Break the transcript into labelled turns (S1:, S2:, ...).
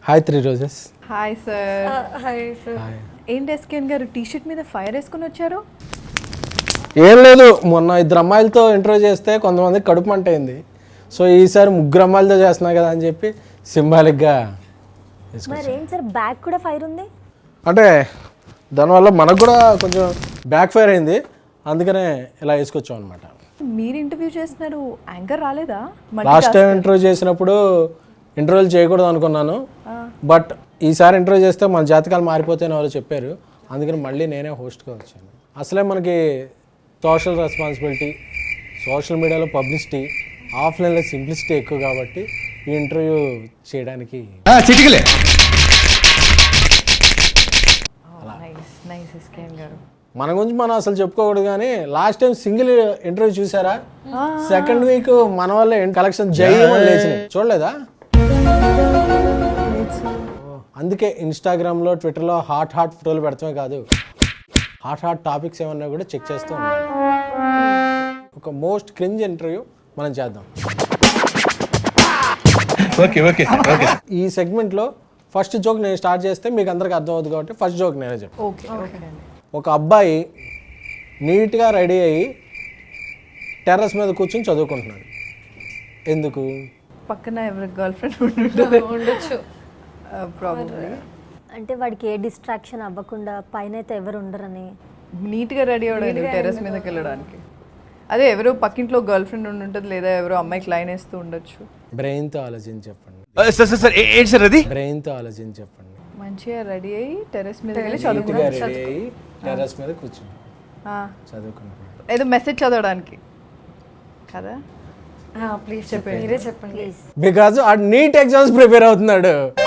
S1: Hi 3 roses.
S2: Hi sir.
S3: Hi sir.
S2: ఏంటి ఎస్కేన్ గారు టీ-షర్ట్ మీద ఫైర్ వేసుకుని వచ్చారు?
S1: ఏం లేదు, మొన్న 2 అమ్మాయిలతో ఇంటర్వ్యూ చేస్తే కొంతమంది కడుపు మంట అయింది. సో ఈసారి 3 అమ్మాయిలతో చేస్తున్నా కదా అని చెప్పి సింబాలిక్గా
S3: మరి ఏం సార్ బ్యాక్ కూడా ఫైర్ ఉంది?
S1: అంటే దానివల్ల మనకు కూడా కొంచెం బ్యాక్ ఫైర్ అయింది, అందుకనే ఇలా వేసుకొచ్చాం అనమాట.
S2: మీరు ఇంటర్వ్యూ చేస్తున్నారు, యాంకర్ రాలేదా?
S1: లాస్ట్ టైం ఇంటర్వ్యూ చేసినప్పుడు ఇంటర్వ్యూలు చేయకూడదు అనుకున్నాను, బట్ ఈసారి ఇంటర్వ్యూ చేస్తే మన జాతకాలు మారిపోతాయని ఎవరో చెప్పారు, అందుకని మళ్ళీ నేనే హోస్ట్గా వచ్చాను. అసలే మనకి సోషల్ రెస్పాన్సిబిలిటీ, సోషల్ మీడియాలో పబ్లిసిటీ, ఆఫ్లైన్లో సింప్లిసిటీ ఎక్కువ కాబట్టి ఈ ఇంటర్వ్యూ చేయడానికి
S2: నైస్ ఎస్కేన్ గారు.
S1: మన గురించి మనం అసలు చెప్పుకోకూడదు, కానీ లాస్ట్ టైం సింగిల్ ఇంటర్వ్యూ చూసారా? సెకండ్ వీక్ మన వల్ల కలెక్షన్ లేచినాయి, చూడలేదా? అందుకే ఇన్స్టాగ్రామ్లో ట్విట్టర్లో హాట్ ఫోటోలు పెడతామే కాదు, హాట్ టాపిక్స్ ఏమన్నా కూడా చెక్ చేస్తూ ఉండాలి. ఒక మోస్ట్ క్రింజ్ ఇంటర్వ్యూ మనం చేద్దాం. ఈ సెగ్మెంట్లో ఫస్ట్ జోక్ నేను స్టార్ట్ చేస్తే మీకు అందరికి అర్థం అవుతుంది కాబట్టి ఫస్ట్ జోక్ నేనే చెప్తాను.
S2: ఓకే.
S1: ఒక అబ్బాయి నీట్గా రెడీ అయ్యి టెర్రస్ మీద కూర్చొని చదువుకుంటున్నాడు. ఎందుకు?
S2: పక్కన ఎవరి గర్ల్ ఫ్రెండ్ ఉండొచ్చు ప్రాబ్లీ.
S3: అంటే వాడికి ఏ డిస్ట్రాక్షన్ అవ్వకుండా పైన అయితే ఎవరు ఉండరని
S2: నీట్గా రెడీ అవ్వడానికి టెర్రస్ మీదకి వెళ్ళడానికి. అదే ఎవరో పక్కింట్లో గర్ల్ ఫ్రెండ్ ఉంటుంది, లేదా ఎవరో అమ్మాయికి లైన్ వేస్తూ ఉండొచ్చు.
S1: బ్రెయిన్తో ఆలోచించి చెప్పండి. బ్రెయిన్తో ఆలోచించి చెప్పండి.
S2: మంచిగా రెడీ అయ్యి టెర్రస్ మీద వెళ్ళి
S1: నీట్గా రెడీ అయ్యి టెర్రస్ మీద కూర్చొని చదువుకుంటున్నాడు.
S2: ఏదో మెసేజ్ చదవడానికి కదా?
S3: ప్లీజ్ చెప్పండి, మీరే చెప్పండి.
S1: బికాజ్ ఆ నీట్ ఎగ్జామ్స్ ప్రిపేర్ అవుతున్నాడు.